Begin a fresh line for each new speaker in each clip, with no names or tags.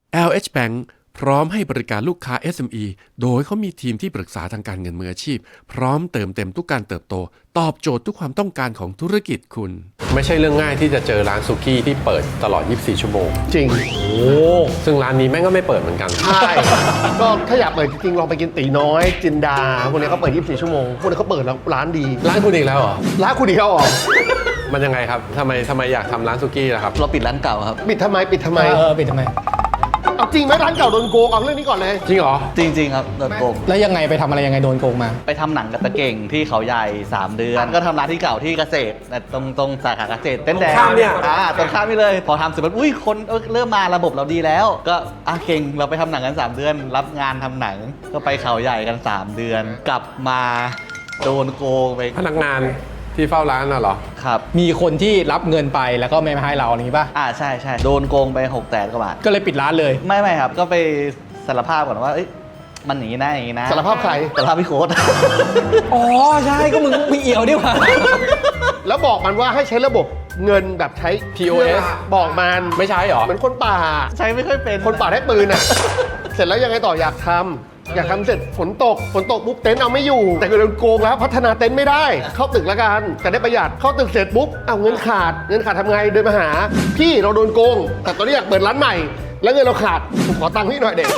LH Bank พร้อมให้บริการลูกค้า SME โดยเขามีทีมที่ปรึกษาทางการเงินมืออาชีพพร้อมเติมเต็มทุกการเติบโตตอบโจทย์ทุกความต้องการของธุรกิจคุณไม่ใช่เรื่องง่ายที่จะเจอร้านสุกี้ที่เปิดตลอด24ชั่วโมง
จริง
ซึ่งร้านนี้แม่งก็ไม่เปิดเหมือนกัน
ใช่ก็ถ้าอยากเปิดจริงๆลองไปกินตีน้อยจินดาพวกนี้เขาเปิด24ชั่วโมงพวกนี้เขาเปิดแล้วร้านดี
ร้านคุณอีกแล้วเหรอ
ร้านคุณอีกแล้วเหรอ
มันยังไงครับทำไมอยากทำร้านสุกี้ล่ะครับ
เราปิดร้านเก่าครับ
ปิดทำไมปิดทำไม
ปิดทำไม
เอาจริงไหมร้านเก่าโดนโกงเอาเรื่องนี้ก่อนเลย
จริงเหรอ
จริงๆครับโดนโกง
แล้วยังไงไปทำอะไรยังไงโดนโกงมา
ไปทำหนังกับตะเก่งที่เขาใหญ่3 เดือนก็ทำร้านที่เก่าที่เกษตรตรงสาขาเกษตรเต้นแดงตรงข้ามนี่เลยพอทำเสร็จปุ๊บอุ้ยคนเริ่มมาระบบเราดีแล้วก็เก่งเราไปทำหนังกัน3 เดือนรับงานทำหนังก็ไปเขาใหญ่กัน3 เดือนกลับมาโดนโกงไป
พนักงานที่เฝ้าร้านน่ะเหรอ
ครับ
มีคนที่รับเงินไปแล้วก็ไม่มาให้เราอย่างนี้ป่ะ
ใช่โดนโกงไป600,000 กว่าบาท
ก็เลยปิดร้านเลย
ไม่ครับก็ไปสารภาพก่อนว่ามันอย่างนี้นะ
สารภาพใคร
สารภาพพี่โค้ด
อ๋อใช่ก็มึงมีเอี่ยวดิว่ะ
แล้วบอกมันว่าให้ใช้ระบบเงินแบบใช้
POS
บอกมัน
ไม่ใช่หรอ
เหมือนคนป่า
ใช้ไม่ค่อยเป็น
คนป่าได้ปืนอ่ะเสร็จแล้วยังไงต่ออยากทำเสร็จฝนตกปุ๊บเต็นท์เอาไม่อยู่แต่ก็โดนโกงแล้วพัฒนาเต็นท์ไม่ได้เข้าตึกแล้วกันแต่ได้ประหยัดเข้าตึกเสร็จปุ๊บเอาเงินขาดทำไงเดินมาหาพี่เราโดนโกงแต่ตอนนี้อยากเปิดร้านใหม่แล้วเงินเราขาดผมขอตังค์พี่หน่อยเด็ก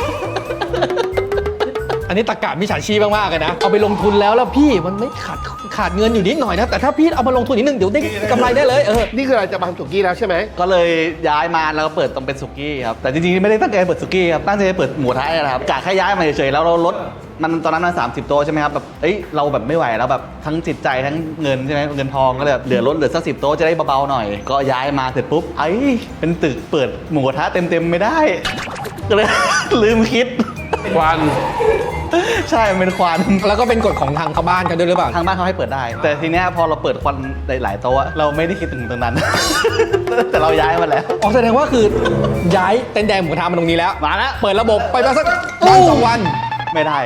อันนี้ตะกะมิจฉาชีพมากๆเลยนะเอาไปลงทุนแล้วพี่มันไม่ขาดเงินอยู่นิดหน่อยนะแต่ถ้าพี่เอามาลงทุนนิดนึงเดี๋ยวได้กำไรได้เลย
นี่คืออะไรจะมาทำสุกี้แล้วใช่ไหม
ก็เลยย้ายมาแล้วก็เปิดตรงเป็นสุกี้ครับแต่จริงๆไม่ได้ตั้งใจเปิดสุกี้ครับตั้งใจเปิดหมูกระทะนะครับกะแค่ย้ายมาเฉยๆแล้วเราลดมันตอนนั้นมัน30 โต๊ะใช่ไหมครับแบบเราแบบไม่ไหวแล้วแบบทั้งจิตใจทั้งเงินใช่ไหมเงินทองก็เลยเหลือสัก10 โต๊ะจะได้เบาๆหน่อยก็ย้ายมาเสร็จปุ๊บเป็นตึกเปิดหมูกระทะเต็มๆไม่ได้ก็เลยลืมคิด
ควัน
ใช่เป็นควัน
แล้วก็เป็นกฎของทางบ้านกันด้วยหรือเปล่า
ทางบ้านเขาให้เปิดได้แต่ทีเนี้ยพอเราเปิดควันหลายโต๊ะเราไม่ได้คิดถึงตรงนั้น แต่เราย้ายมาแล้ว
แสดงว่าคือย้ายเต็นท์แดงหมูกระทะมาตรงนี้แล้ว
มาแล้ว
เปิดระบบไปมาสัก2 วัน
ไม่ได้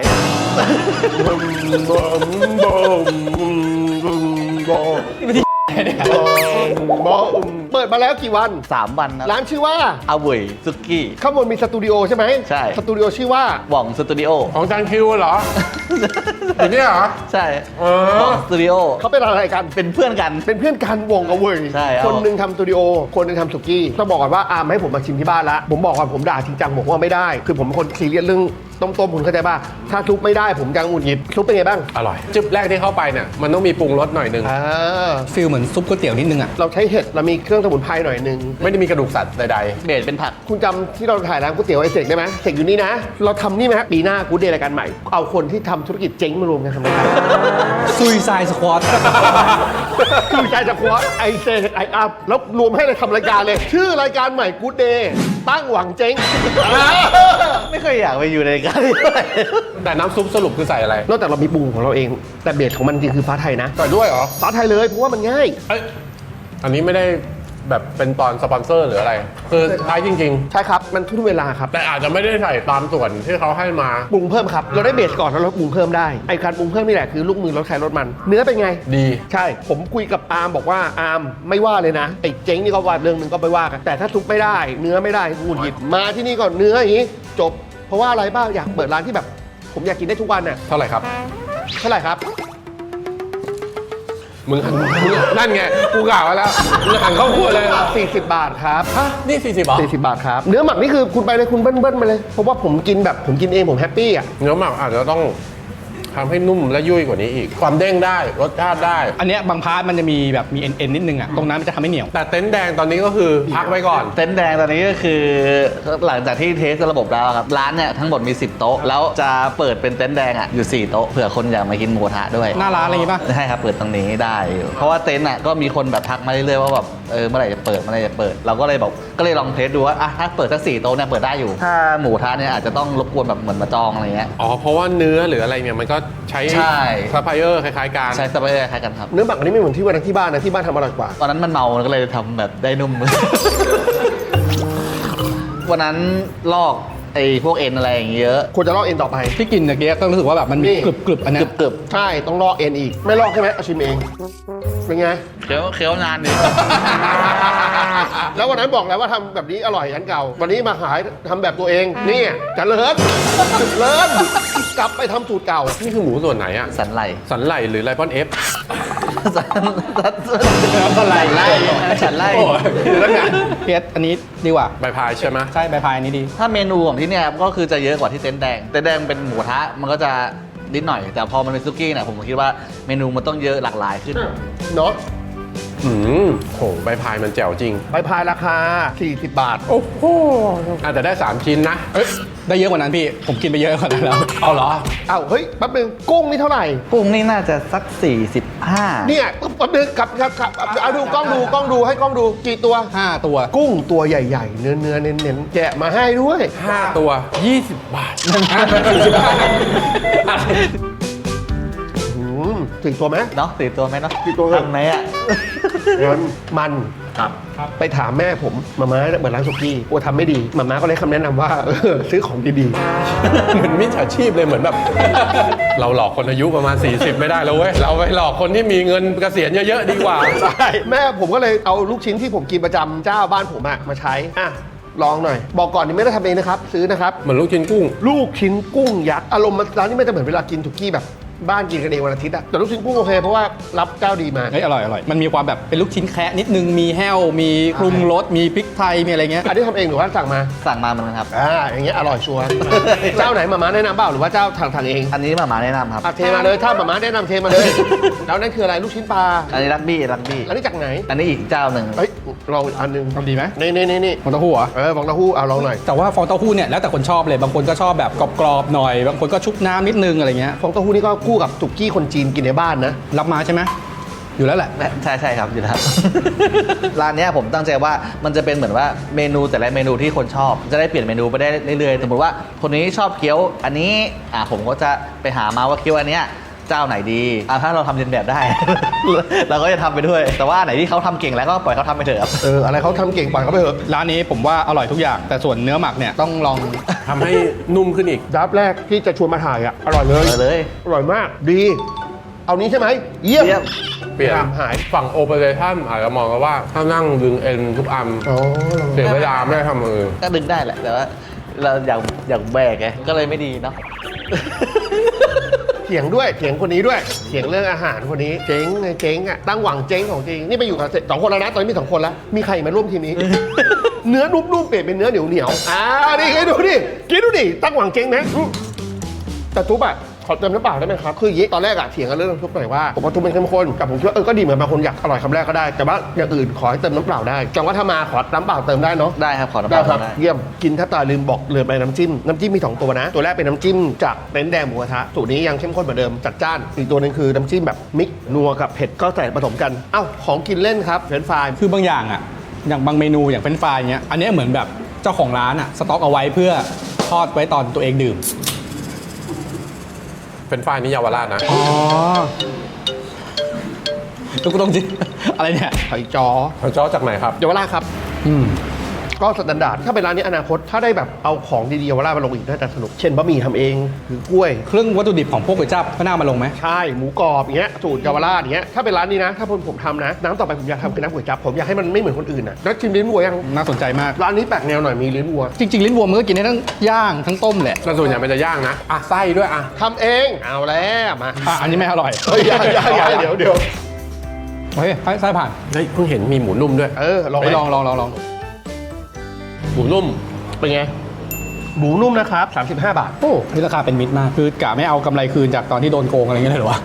เปิดมาแล้วกี่วัน
3 วัน
ร้านชื่อว่า
อาเวยซุกี้
ข้างบนมีสตูดิโอใช่ไหม
ใช่
สตูดิโอชื่อว่า
หว่องสตูดิโอ
ของจานคิวเหรออย่างนี้เหรอ
ใช่หว่องสตูดิโอ
เขาเป็นอะไรกัน
เป็นเพื่อนกัน
วงกับเวย
ใช่
คนนึงทำสตูดิโอคนนึงทำสุกี้ต้องบอกก่อนว่าให้ผมมาชิมที่บ้านละผมบอกก่อนผมด่าจริงจังบอกว่าไม่ได้คือผมเป็นคนซีเรียสเรื่องต้มคุณเข้าใจป่ะถ้าซุปไม่ได้ผมจะหงุดหงิดซุปเป็นไงบ้าง
อร่อยจึ๊บแรกที่เข้าไปเนี่ยมันต้องมีปรุงรสหน่อยนึง
ฟีลเหมือนซุปก๋วยเตี๋ยวนิดนึงอ่ะ
เราใช้เห็ดเรามีเครื่องสมุนไพรหน่อยนึง
ไม่ได้มีกระดูกสัตว์ใด
ๆเบสเป็นผัก
คุณจำที่เราถ่ายร้านก๋วยเตี๋ยวไอเสกได้ไหมเสกอยู่นี่นะเราทำนี่ไหมปีหน้ากูเดย์รายการใหม่เอาคนที่ทำธุรกิจเจ๊งมารวมกันทำรายการ
ซุยไซสควอต
ซุยไซสควอตไอเสกไออัพแล้วรวมให้เลยทำรายการเลยชื่อรายการใหม่กูเดย์ตั้งหวังเจ๊ง
ไม่เคยอยากไปอยู่ในรายการ
แต่น้ำซุปสรุปคือใส่อะไร
นอกจากเรามีปรุงของเราเองแต่เบสของมันจริงคือฟ้าไทยนะ
ใส่ด้วยเหรอ
ฟ้าไทยเลยเพราะว่ามันง่าย
อันนี้ไม่ได้แบบเป็นตอนสปอนเซอร์หรืออะไรคือท้ายจริง
ๆใช่ครับมันทุกเวลาครับ
แต่อาจจะไม่ได้ใส่ตามส่วนที่เขาให้มา
ปรุงเพิ่มครับเราได้เบสก่อนแล้วเราปรุงเพิ่มได้ไอ้การปรุงเพิ่มนี่แหละคือลูกมือรถใครรถมันเนื้อเป็นไง
ดี
ใช่ผมคุยกับอาร์มบอกว่าอาร์มไม่ว่าเลยนะไอ้เจ๊งนี่ก็ว่าเรื่องนึงก็ไปว่ากันแต่ถ้าซุปไม่ได้เนื้อไม่ได้หงุดหงิดมาที่นี่ก่อนเนื้ออย่างนี้จบเพราะว่าอะไรบ้างอยากเปิดร้านที่แบบผมอยากกินได้ทุกวันน่ะ
เท่าไหร่ครับมึงนั่นไงกูกล่าวไว้แล้วมึงหันเข้าครัวเลย
40 บาทครับ
ฮะนี่40 บาท
40 บาทครับเนื้อหมักนี่คือคุณไปเลยคุณเบิ้ลไปเลยเพราะว่าผมกินเองผมแฮปปี้อ่ะ
เนื้อหมักอาจจะต้องทำให้นุ่มและยุ่ยกว่านี้อีกความเด้งได้รสชาติได้
อันนี้บางพาร์ทมันจะมีแบบมีเอ็นนิดนึงอ่ะตรงนั้นมันจะทำให้เหนียว
แต่เต็นท์แดงตอนนี้ก็คือพักไว้ก่อน
เต็นท์แดงตอนนี้ก็คือหลังจากที่เทสระบบแล้วครับร้านเนี่ยทั้งหมดมี10 โต๊ะแล้วจะเปิดเป็นเต็นท์แดงอ่ะอยู่4 โต๊ะเผื่อคนอยากมากินหมูกระทะด้วย
หน้าร้านอะไรอย่างงี้ป่ะ
ใช่ครับเปิดตรงนี้ได้เพราะว่าเต็นท์อ่ะก็มีคนแบบทักมาเรื่อยๆว่าแบบเมื่อไหร่จะเปิดเราก็เลยลองเทสดูว่าถ้าเปิดสัก4 โต๊ะเนี่ยเปิดได้อยู่ถ้าหมูกระทะเนี่ยอาจจะต้องรบกวนแบบเหมือนมาจองอะไรเงี้ย
เพราะว่าเนื้อหรืออะไรเนี่ยมันก็ใช้ซัพพลายเออร์คล้ายๆกัน
ใช่ซัพพลายเออร์คล้ายกันครับ
เนื้อหมักอันนี้ไม่เหมือนที่วันที่บ้านนะที่บ้านทำอร่อยกว่า
ตอนนั้นมันเมาก็เลยทำแบบได้นุ่ม วันนั้นลอกไอ้พวกเอ็นอะไรอย่างเงี้ยเยอะ
ควรจะลอกเอ็นต่อไป
ที่กินเมื่อกี้ก็รู้สึกว่าแบบมันมี
นี่
กรึบๆอันเนี้ย
กรึบ
ใช่ต้องลอกเอ็นอีก ไม่ลอกใช่ไหมเอาชิมเอง เป็นไง
เคี้ยวนานดิ
แล้ววันนั้นบอกแล้วว่าทำแบบนี้อร่อยอันเก่า วันนี้มาขายทำแบบตัวเองนี่เจริญเลิศกลับไปทำสูตรเก่า
นี่คือหมูส่วนไหนอะ
สันไหล
สันไหลหรือไลปอนเอฟ
สันไหลสันไหล
โอ้ยแล้วไง
เพียสอันนี้ดีกว่า
ใบพายใช่ไหม
ใช่ใบพายอันนี้ดี
ถ้าเมนูของที่เนี่ยก็คือจะเยอะกว่าที่เต็นท์แดง เต็นท์แดงเป็นหมูทะมันก็จะนิดหน่อย แต่พอมันเป็นซุกี้เนี่ยผมคิดว่าเมนูมันต้องเยอะหลากหลายขึ้น
เนาะ
โหใบพายมันแจ๋วจริง
ใบพายราคา 40 บาท
โอ้โหอาจจะได้ 3 ชิ้นนะ
เอ้ยได้เยอะกว่านั้นพี่ ผมกินไปเยอะกว่านั้นแล้ว
เอาเหรอ
เอ้าเฮ้ยแป๊บนึงกุ้งนี่เท่าไหร่
กุ้งนี่น่าจะสัก 45
เนี่ยแป๊บนึงครับเอาดูกล้องดูให้กล้องดูกี่ตัว
5 ตัว
กุ้งตัวใหญ่ๆ เนื้อเน้นๆแกะมาให้ด้วย
5 ตัว 20 บาท
ถึงตัวไหม
เนาะสี่ตัวไหมเนาะ
สี่ตัวครับ
ทำไหมอ่ะ
มันไปถามแม่ผมมาม่าเหมือนร้านสุกี้กลัวทำไม่ดีมาม่าก็เลยคำแนะนำว่าซื้อของดี
เหมือนมิจฉาชีพเลยเหมือนแบบ เราหลอกคนอายุประมาณ 40 ไม่ได้แล้วเว้ย เราไปหลอกคนที่มีเงินเกษียณเยอะๆดีกว่า
ๆใช่แม่ผมก็เลยเอาลูกชิ้นที่ผมกินประจำเจ้าบ้านผมมาใช้ลองหน่อย บอกก่อนนี่ไม่ได้ทำเองนะครับ ซื้อนะครับ
เหมือนลูกชิ้นกุ้ง
ลูกชิ้นกุ้งยักษ์อารมณ์ร้านนี้ไม่จะเหมือนเวลากินสุกี้แบบบ้านกินกันเองวันอาทิตย์อะแต่ลูกชิ้นกุ้งโอเคเพราะว่ารับเจ้าดีมา
เฮ้ยอร่อยอร่อย มันมีความแบบเป็นลูกชิ้นแคะนิดนึง มีแห้ว มีปรุงรส มีพริกไทย มีอะไรเงี้ย
อันนี้ทำเองหรือว่าสั่งมา
สั่งมาเหมือนกันครับ
อย่างเงี้ยอร่อยชัวร์ เจ้าไหนมาม่าแนะนำเปล่าหรือว่าเจ้าทางเอง
อันนี้มาแนะนำครับ
เทมาเลยถ้ามาม่าแนะนำเทมาเลย แล้วนั่นคืออะไรลูกชิ้นปลา
อันนี้รักบี้
อันนี้จากไหน
อันนี้อีกเจ้าหนึ่ง
เฮ้ยลองอีกอันหนึง
ทำดีไหม
นี่
ฟองเต้าหู้เหรอ
ฟองเต้าหู้เอาลองหน่อย
แต่ว่าฟองเต้าหู้เนี่ยแล้วแต่คนชอบเลย บางคนก็ชอบแบบกรอบๆหน่อย บางคนก็ชุบน้ำนิดนึงอะไรเงี้ย
ฟองเต้าหู้นี่ก็คู่กับสุกี้คนจีนกินในบ้านนะ
รับมาใช่ไหม อยู่แล้วแหละ
ใช่ครับอยู่แล้ว ร้านเนี้ยผมตั้งใจว่ามันจะเป็นเหมือนว่าเมนูแต่ละเมนูที่คนชอบ จะได้เปลี่ยนเมนูไปได้เรื่อยๆสมมติว่าคนนี้ชอบเกี๊ยวอันนี้ผมก็จะไปหามาว่าเกี๊ยวอันเนี้ยเจ้าไหนดีถ้าเราทำเรียนแบบได้ เราก็จะทำไปด้วย แต่ว่าไหนที่เขาทำเก่งแล้วก็ปล่อยเขาทำไปเถอะครับ
อะไรเขาทำเก่งปล่อยเขาไปเถอะ
ร้านนี้ผมว่าอร่อยทุกอย่าง แต่ส่วนเนื้อหมักเนี่ยต้องลอง
ทำให้นุ่มขึ้นอีก
ดับแรกที่จะชวนมาถ่ายอ่ะอร่อยเลย
เลย
อร่อยมากดี เอานี้ใช่ไหมเยี่ยม
เยี่ยม
เปลี่ยน
หาย
ฝั่งโอเปอเรชั่นอาจจะมองกันว่าถ้านั่งดึงเอ็นทุกอัน
อ๋อ
เสียเวลาไม่ได้ทำมือ
ก็ดึงได้แหละ แต่ว่าเราอยากแบกไงก็เลยไม่ดีเนาะ
เถียงด้วยเถียงคนนี้ด้วยเถียงเรื่องอาหารคนนี้เจ๊งไงเจ๊งอ่ะตั้งหวังเจ๊งของจริงนี่ไปอยู่กับสองคนแล้วนะตอนนี้มี2 คนแล้วมีใครมาร่วมทีมนี้ เนื้อนุ่มๆเปลี่ยนเป็นเนื้อเหนียวนี่ให้ดูดิกินดูดิตั้งหวังเจ๊งนะแต่ทุบอ่ะขอเติมน้ำเปล่าได้ไหมครับคืออย่างนี้ตอนแรกอะเถียงกันเรื่องน้ำซุปหน่อยว่าผมว่าทุบเป็นเข้มข้นแต่ผมคิดว่าก็ดีเหมือนบางคนอยากอร่อยคำแรกก็ได้แต่ว่าอย่างอื่นขอให้เติมน้ำเปล่าได้จังว่าถ้ามาขอน้ำเปล่าเติมได้เนาะ
ได้ครับขอน้ำเป
ได้
ล่า
ครับ
ได้
เยี่ยมกินถ้าตาลืมบอกลืมไปน้ำจิ้มมี2 ตัวนะ ตัวแรกเป็นน้ำจิ้มจากเต็นท์แดงหมูกระทะสูตรนี้ยังเข้มข้นเหมือนเดิมจัดจ้านอีกตัวหนึงคือน้ำจิ้มแบบมิกซ์นัวกับเผ็ดก็ใส่ผสมกันเอ้าของกินเล่นครับเฟรนช์ฟราย
คือบางอย่างอ่ะ อย่างบางเมนูอย่างเป็นไฟรายเงี้ย อันเนี้ยเหมือนแบบเจ้าของร้านอ่ะสต็อกเอาไว้เพื่อทอดไว้ตอนตัวเองดื่ม
เป็นฝ่ายนี้เยาวราชนะ
อ๋อทุกคนต้องจิ อะไรเนี่ย
ไข่จอ
เขาจ้อจากไหนครับ
เยาวราชครับ
อืม
ก็สแตนดาร์ดถ้าเป็นร้านนี้อนาคตถ้าได้แบบเอาของดีๆเยาวราชมาลงอีกน่าจะสนุกเช่นบะหมี่ทำเองหรือกล้วย
เครื่องวัตถุดิบของพวกก๋วยจั๊บก็น่ามาลงไหม
ใช่หมูกรอบอย่างเงี้ยสูตรเยาวราชอย่างเงี้ยถ้าเป็นร้านนี้นะถ้าผมทำนะน้ำต่อไปผมอยากทำคือน้ำก๋วยจั๊บผมอยากให้มันไม่เหมือนคนอื่นนะแล้วชิมลิ้นวัวยัง
น่าสนใจมาก
ร้านนี้แปลกแนวหน่อยมีลิ้นวัว
จริง ๆ ลิ้นวัวมันก็กินได้ทั้งย่างทั้งต้มแหละ
แต่ส่วนใหญ่มันจะย่างนะ ไส้ด้วยอ่ะ
ทำเองเอาแล้วมา
อันนี้ไม่อร่อย
เฮ้ยอย่าเดี๋ยว
เฮ้ยไส้ผ่าน
เฮ้ยเพิ่งเห็นมีหมูนุ่มด้วย
ลอง
ไป
ไป
ลอง
หมูนุ่ม
เป็นไงหมูนุ่มนะครับ35 บาท
โอ้นี่ราคาเป็นมิตรมาก คือกะไม่เอากำไรคืนจากตอนที่โดนโกงอะไรเงี้ยเลยเหรอวะ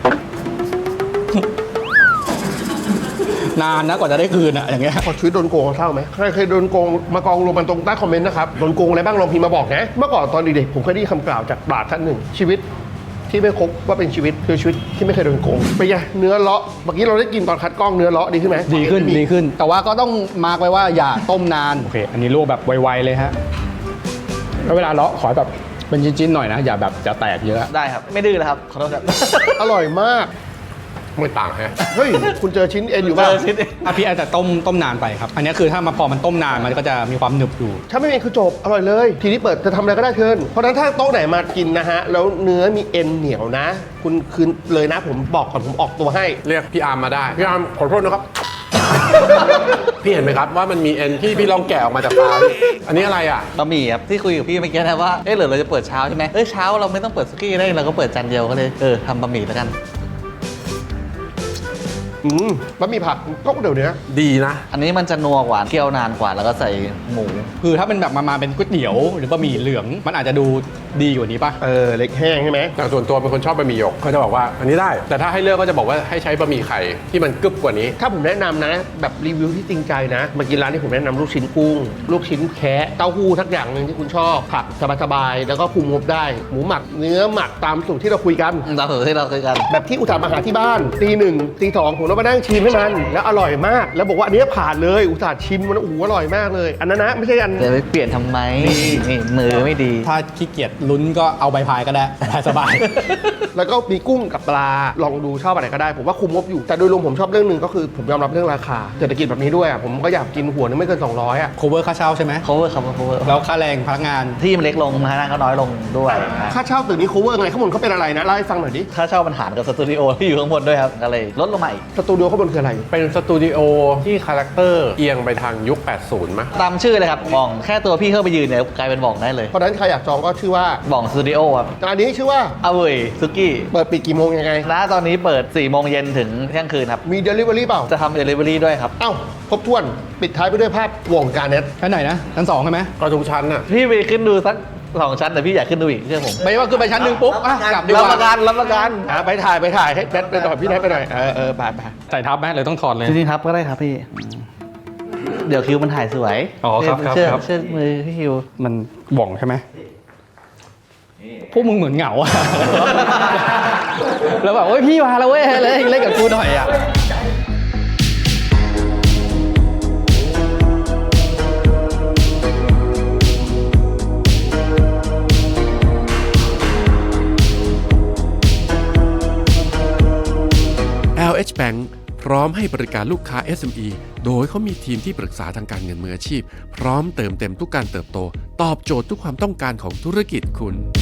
นานนะกว่าจะได้คืนอะอย่างเงี้ย
พอชีวิตโดนโกงเศร้าไหมใครเคยโดนโกงมากองรวมกันตรงใต้คอมเมนต์นะครับโดนโกงอะไรบ้างลองพิมพ์มาบอกนะเมื่อก่อนตอนเด็กๆผมเคยได้ยินคำกล่าวจากปราชญ์ท่านหนึ่งชีวิตที่ไม่ครบว่าเป็นชีวิตคือชีวิตที่ไม่เคยโดนโกงเป็นไงเนื้อเลาะเมื่อกี้เราได้กินตอนคัดกล้องเนื้อเลาะดีขึ้นไหม
ดีขึ้น แต่ว่าก็ต้องมาร์กไว้ว่าอย่าต้มนาน โอเค อันนี้ลวกแบบไวๆเลยฮะ แล้วเวลาเลาะขอแบบเป็นชิ้นๆหน่อยนะ อย่าแบบจะแตกเยอะ
ได้ครับ ไม่ดื้อนะครับ ขอโทษครับ
อร่อยมาก
อ
ไม่ต่างแฮะ
เฮ้ย คุณเจอชิ้นเอ็นอยู่
เจ
ป่ะ
อชิ้น
พี่อาจจะต้มนานไปครับ อันนี้คือถ้ามาพอมันต้มนานมันก็จะมีความหนึบอยู่
ถ้าไม่มีคือจบ อร่อยเลย ทีนี้เปิดจะทำอะไรก็ได้เชิญเพราะฉะนั้นถ้าโต๊ะไหนมากินนะฮะ แล้วเนื้อมีเอ็นเหนียวนะ คุณคืนเลยนะ ผมบอกก่อนผมออกตัวให้
เรียกพี่อาร์มมาได้ พี่อาร์มขอโทษนะครับ พี่เห็นไหมครับว่ามันมีเอ็นที่พี่ลองแกะออกมาจากปลาพี่อันนี้อะไรอ่ะ
บะหมี่ครับที่คุยกับพี่เมื่อกี้นะว่าเหรือเราจะเปิดเช้าใช่ไหมเช้าเราไม่ต้องเปิดสุกี้ได้เราก็เปิดจานเดียวก็เลยทำบะหมี่แล้วกัน
บะหมี่ผักก็เดี๋ยวนี้
ดีนะ
อันนี้มันจะนัวกว่าเคี่ยวนานกว่าแล้วก็ใส่หมู
คือถ้าเป็นแบบมาเป็นก๋วยเตี๋ยวหรือบะหมี่เหลืองมันอาจจะดูดีกว่านี้ป่ะ
เล็กแห้งใช่ไหม
แต่ส่วนตัวเป็นคนชอบบะหมี่หยกเขาจะบอกว่าอันนี้ได้ แต่ถ้าให้เลือกก็จะบอกว่าให้ใช้บะหมี่ไข่ที่มันกึบกว่านี้
ถ้าผมแนะนำนะ แบบรีวิวที่จริงใจนะมากินร้านที่ผมแนะนำลูกชิ้นกุ้ง ลูกชิ้นแคะเต้าหู้ทักอย่างหนึ่งที่คุณชอบผักสบายๆแล้วก็คุมงบได้ หมูหมักเนื้อหมักตามสูตรที่เราคุยกัน
ตามสูตรที่เราเคยกัน
แบบที่อุตส่าห์มาหาที่บ้านตี 1ตี 2ผมต้องมานั่งชิมให้มัน แล้วอร่อยมาก แล้วบอกว่าอันนี้ผ่านเลยอุตส่าห์ชิมมันโอ้โหอร่อยมากเลย อันนั้นนะไม่ใช่อัน
จะไปเปลี่ยนทำไมนี่มือไม่ดี
ถ้าขี้เกียจลุ้นก็เอาใบพายก็ได้สบาย
แล้วก็มีกุ้งกับปลาลองดูชอบอะไรก็ได้ ผมว่าคุมงบอยู่แต่โดยรวมผมชอบเรื่องหนึ่งก็คือผมยอมรับเรื่องราคาเศรษฐกิจแบบนี้ด้วยอ่ะผมก็อยากกินหัวนึงไม่เกิน200อ่ะ
cover ค่าเช่าใช่ไหม
cover ครับ cover
แล้วค่าแรงพนักงาน
ที่มันเล็กลงพนักงานก็น้อยลงด้วยนะ
ค่าเช่าตึกนี้ cover ไงข้างบนเขาเป็นอะไรนะเล่าให้ฟังหน่อยดิ
ค่าเช่ามันหารกับสตูดิโอที่อยู่ข้างบนด้วยครับก็เลยลดลงมาอีก
สตูดิโอข้างบนคืออะไร
เป็นสตูดิโอที่คาแรคเตอร์เอียงไปทางยุค 80 มั้ย
ตามชื่อเลยครับบ่องแค่ตัวพี่เข้าไปยืนเนี่ยกลายเป็นบ่องได้เลย
เพราะฉะนั้นใครอยากจองก็ชื่อว่า
บ่องสตูดิโอครับ
ร้านนี้ชื่อว่า
เอาเว้ยซุกี้
เปิดปิดกี่โมงยังไง
ณตอนนี้เปิด 4 โมงเย็นถึงเที่ยงคืนครับ
มี delivery เปล่า
จะทำเดลิเวอรี่ด้วยครับ
เอ้าครบถ้วนปิดท้ายไปด้วยภาพวงการเน็ต
ชั้นไหนนะชั้น2ใช่ไหม
ก็ทุกชั้นน่ะ
พี่ไปขึ้นดูสัก 2 ชั้นแต่พี่อยากขึ้นดูอีกเชื่อผม
ไม่ว่าขึ้นไปชั้นหนึ่งปุ๊บอ่ะกลับดีก
รับ
ว่า
ประกันรับประกัน
ไปถ่ายให้แนทไปหน่อยพี่แนทไปหน่อยไป
ใส่ทับไหมหรือต้องถอดเลย
จริงๆครับก็ได้ครับพี่ เดี๋ยวคิวมันถ่ายสวย
อ๋อครับ
เชื่อ
ครับ
เชื่อมือพี่คิว
มันบ่องใช่ไหมพวกมึงเหมือนเหงาอะ แล้วแบบโอ้ยพี่มาแล้วเว้ยเล่นกับกูหน่อยอะ
LH Bank พร้อมให้บริการลูกค้า SME โดยเขามีทีมที่ปรึกษาทางการเงินมืออาชีพ พร้อมเติมเต็มทุกการเติบโต ตอบโจทย์ทุกความต้องการของธุรกิจคุณ